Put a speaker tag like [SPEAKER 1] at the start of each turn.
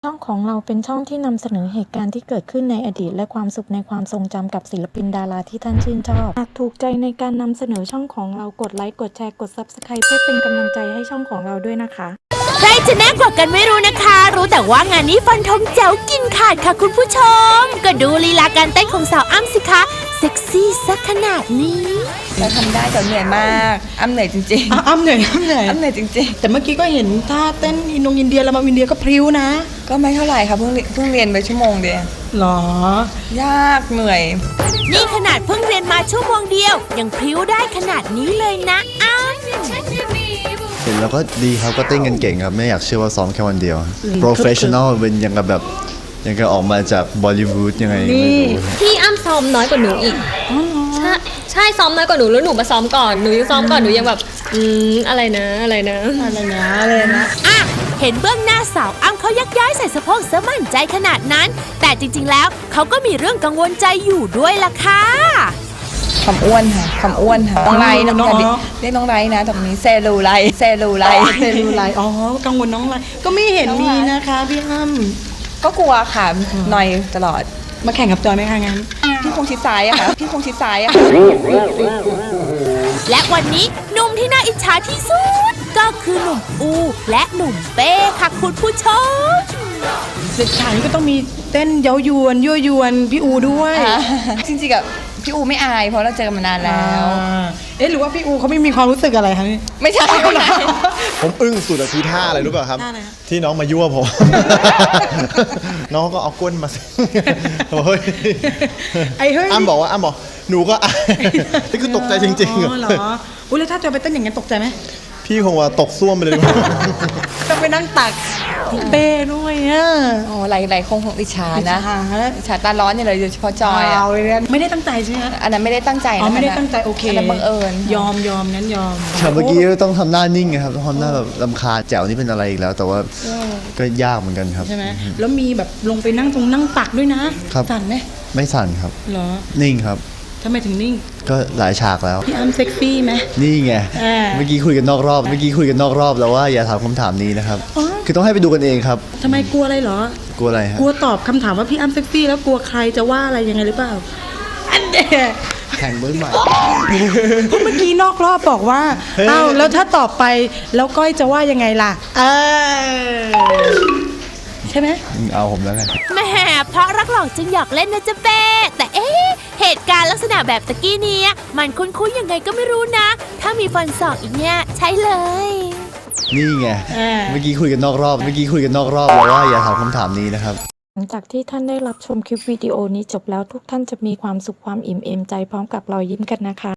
[SPEAKER 1] ช่องของเราเป็นช่องที่นำเสนอเหตุการณ์ที่เกิดขึ้นในอดีตและความสุขในความทรงจำกับศิลปินดาราที่ท่านชื่นชอบหากถูกใจในการนำเสนอช่องของเรากดไลค์กดแชร์กด Subscribe เพื่อเป็นกำลังใจให้ช่องของเราด้วยนะคะ
[SPEAKER 2] ใครจะแน่กว่ากันไม่รู้นะคะ รู้แต่ว่างานนี้ฟันธงแจ๋วกินขาดค่ะคุณผู้ชมก็ดูลีลาการเต้นของสาวอ้ำสิคะเซ็กซี่สักขนาดนี้
[SPEAKER 3] เราทำได้แต่เหนื่อยมากอ้ำเหนื่อยจริงๆ
[SPEAKER 4] อ้ำเหนื่อยอ้ำเหนื่อย
[SPEAKER 3] อ้ำเหนื่อยจริง
[SPEAKER 4] ๆแต่เมื่อกี้ก็เห็นท่าเต้นอินเดียแล้วมาอินเดียก็พริ้วนะ
[SPEAKER 3] ก็ไม่เท่าไหร่ค่ะเพิ่งเรียนไปชั่วโมงเดียว
[SPEAKER 4] หร
[SPEAKER 3] อยากเหนื่อย
[SPEAKER 2] นี่ขนาดเพิ่งเรียนมาชั่วโมงเดียวยังพริ้วได้ขนาดนี้เลยนะอ้ำ
[SPEAKER 5] เห็นแล้วก็ดีครับก็เต้นกันเก่งครับไม่อยากเชื่อว่าซ้อมแค่วันเดียว professional เป็นยังกับแบบยังกับออกมาจากบอลิวูดยังไงไม่รู้
[SPEAKER 6] พี่อ้ำซ้อมน้อยกว่าหนูอีกใช่ซ้อมน้อยกว่าหนูแล้วหนูมาซ้อมก่อนหนูยังซ้อมก่อนหนูยังแบบอะไรนะ
[SPEAKER 2] อ่ะเห็นเบื้องหน้าสาวอ้ำเขายักย้ายใส่สะโพกซะมั่นใจขนาดนั้นแต่จริงๆแล้วเขาก็มีเรื่องกังวลใจอยู่ด้วยล่ะค่ะ
[SPEAKER 3] ความอ้วนค่ะความอ้วนค่ะน้องไรน้องเรียกน้องไรนะตรงนี้เซลูไล
[SPEAKER 4] อ๋อกังวลน้องไรก็ไม่เห็นมีนะคะพี่อ้ำ
[SPEAKER 3] ก็กลัวค่ะหน่อยตลอด
[SPEAKER 4] มาแข่งกับจอยไหมคะงั้น
[SPEAKER 3] พี่คงชิดซ้ายอะค่ะ
[SPEAKER 2] และวันนี้หนุ่มที่น่าอิจฉาที่สุดก็คือหนุ่มอูและหนุ่มเป้ค่ะคุณผู้ชม
[SPEAKER 4] เด็กชายนี่ก็ต้องมีเต้นเย้ายวนยั่วยวนพี่อูด้วย
[SPEAKER 3] จริงๆกับพี่อูไม่อายเพราะเราเจอกันมานานแล้ว
[SPEAKER 4] หรือว่าพี่อูเขาไม่มีความรู้สึกอะไรคะ
[SPEAKER 3] ไม่ใช่
[SPEAKER 5] ผมอึ้งสุดอะคือท่าอะไรรู้ป่ะครับที่น้องมายั่วผม น้องก็เอาก้นมาเฮ้ยอ้ำบอกหนูก็นี่คือตกใจจริงๆ
[SPEAKER 4] เหรออุ้ยแล้วถ้าจะไปเต้นอย่างนี้ตกใจไหม
[SPEAKER 5] พี่คงว่าตกซ่วมไปเลย
[SPEAKER 4] ต้องไปนั่งตักเป้ด้วยอ่ะ
[SPEAKER 3] อ๋อหลายคงอิจฉานะอิจฉาตาร้อนเนี่ยเลยโดยเฉพาะจอยอ่ะ
[SPEAKER 4] ไม่ได้ตั้งใจใช่ไหม
[SPEAKER 3] อันนั้นไม่ได้ตั้งใจนะ
[SPEAKER 4] ไม่ได้ตั้งใจโอเค
[SPEAKER 3] บังเอิญ
[SPEAKER 4] ยอมงั้นยอม
[SPEAKER 5] เมื่อกี้ต้องทำหน้านิ่งครับต้องทำหน้าแบบรำคาญแจ๋วนี่เป็นอะไรอีกแล้วแต่ว่าก็ยากเหมือนกันครับ
[SPEAKER 4] ใช่ไหมแล้วมีแบบลงไปนั่งตักด้วยนะสั่นไหม
[SPEAKER 5] ไม่สั่นครับ
[SPEAKER 4] เหรอ
[SPEAKER 5] นิ่งครับ
[SPEAKER 4] ทำไมถึงนิ่ง
[SPEAKER 5] ก็หลายฉากแล้ว
[SPEAKER 4] พี่อ้ำเซ็กซี่ไหม
[SPEAKER 5] นี่ไงเมื่อกี้คุยกันนอกรอบแล้วว่าอย่าถามคำถามนี้นะครับคือต้องให้ไปดูกันเองครับ
[SPEAKER 4] ทำไมกลัวอะไรเหร
[SPEAKER 5] อกลัวอะไรฮะ
[SPEAKER 4] กลัวตอบคำถามว่าพี่อ้ำเซ็กซี่แล้วกลัวใครจะว่าอะไรยังไงหรือเปล่าอันเดีย
[SPEAKER 5] แข่งมือใหม่
[SPEAKER 4] เพราะเมื่อกี้นอกรอบบอกว่าอ้าวแล้วถ้าตอบไปแล้วก้อยจะว่ายังไงล่ะใช่ไหม
[SPEAKER 5] เอาผมแล้วไง
[SPEAKER 2] แหมเพราะรักหลอกจึงหยอกเล่นนะจ๊ะเป้แต่เหตุการณ์ลักษณะแบบตะกี้นี้มันคุ้นๆยังไงก็ไม่รู้นะถ้ามีฟันศอกอีกเนี่ยใช่เลย
[SPEAKER 5] นี่ไงเมื่อกี้คุยกันนอกรอบแล้วว่าอย่าถามคำถามนี้นะครับ
[SPEAKER 1] หลังจากที่ท่านได้รับชมคลิปวิดีโอนี้จบแล้วทุกท่านจะมีความสุขความอิ่มเอมใจพร้อมกับรอยยิ้มกันนะคะ